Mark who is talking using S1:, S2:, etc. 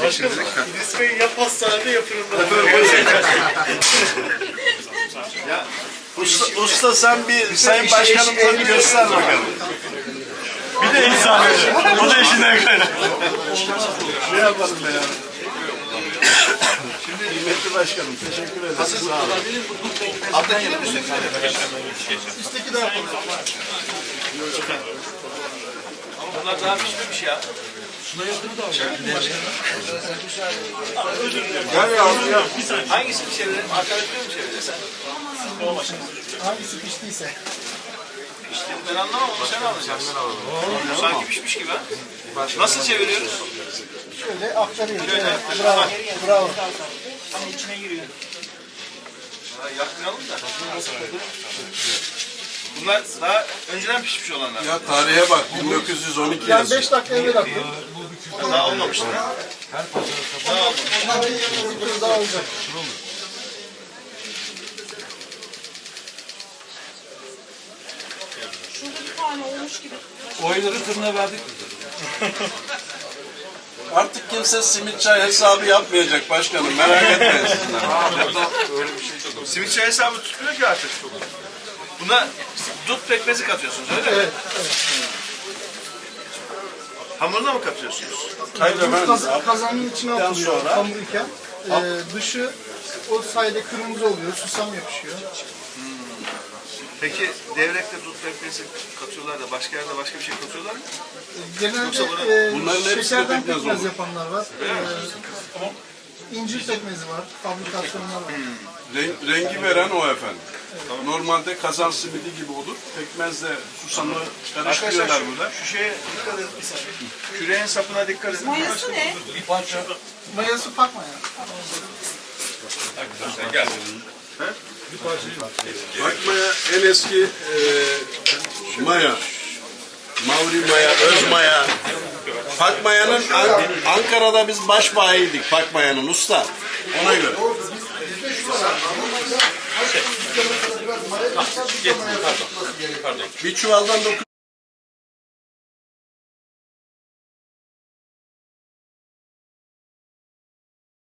S1: Başkanım, İdris Bey ya pastanede ya fırında.
S2: Ya, usta sen bir Sayın Başkanımıza bir göster bakalım.
S1: Bir de insan o da işinden kaynak.
S2: Ne yapalım be ya? Şimdi kıymetli başkanım teşekkür ederim. Sağ olun.
S3: Alttakine mi sürekli?
S1: Üstteki daha fazla.
S3: Bunlar daha pişmemiş ya.
S2: Gel yavrum gel.
S3: Hangisini çevirelim? Arkadaşını mı çevirirsen?
S1: Hangisi piştiyse.
S3: İşte ben anlamam onu sen alacaksın. Sanki pişmiş gibi ha. Nasıl çeviriyoruz?
S1: Şöyle aktarıyoruz.
S3: Şöyle.
S1: Evet, bravo. Bravo.
S3: Ha, yakmayalım da. Bunlar daha önceden pişmiş olanlar.
S2: Ya tarihe bak 1912
S1: Yani
S2: yazıyor.
S1: 5 dakika evvel attım.
S3: Daha olmamıştır.
S1: Daha olacak.
S4: Şurada bir tane olmuş gibi.
S5: Oyları tırına verdik.
S2: Artık kimse simit çay hesabı yapmayacak başkanım merak etmeyin sizler.
S3: Simit çay hesabı tutmuyor ki artık. Buna dut pekmezi katıyorsunuz öyle mi?
S1: Evet.
S3: Hamuruna mı katıyorsunuz?
S2: Hayır efendim.
S1: Kazanın içine atılıyor
S2: sonra-
S1: hamur iken. Dışı o sayede kırmızı oluyor. Susam yapışıyor.
S3: Peki devrekte dut pekmezi katıyorlar da başka yerde başka bir şey katıyorlar mı?
S1: Genelde
S2: Bunların hepsi de
S1: şekerden
S2: pekmez
S1: pekmez
S2: olur.
S1: yapanlar var. İncir pekmezi var. Fabrikasyonlar var.
S2: Rengi veren o efendim. Normalde kazan simidi gibi olur. Pekmezle susamı karıştırıyorlar burada.
S3: Şu şeye dikkat edin. Küreğin sapına dikkat edin.
S4: Mayası ne?
S1: Mayası pakma ya.
S2: Bakmaya en eski maya. Mavri maya, öz maya. Pakmaya'nın Ankara'da biz baş bayiydik Pakmaya'nın usta. Ona göre. Bir çuvaldan 9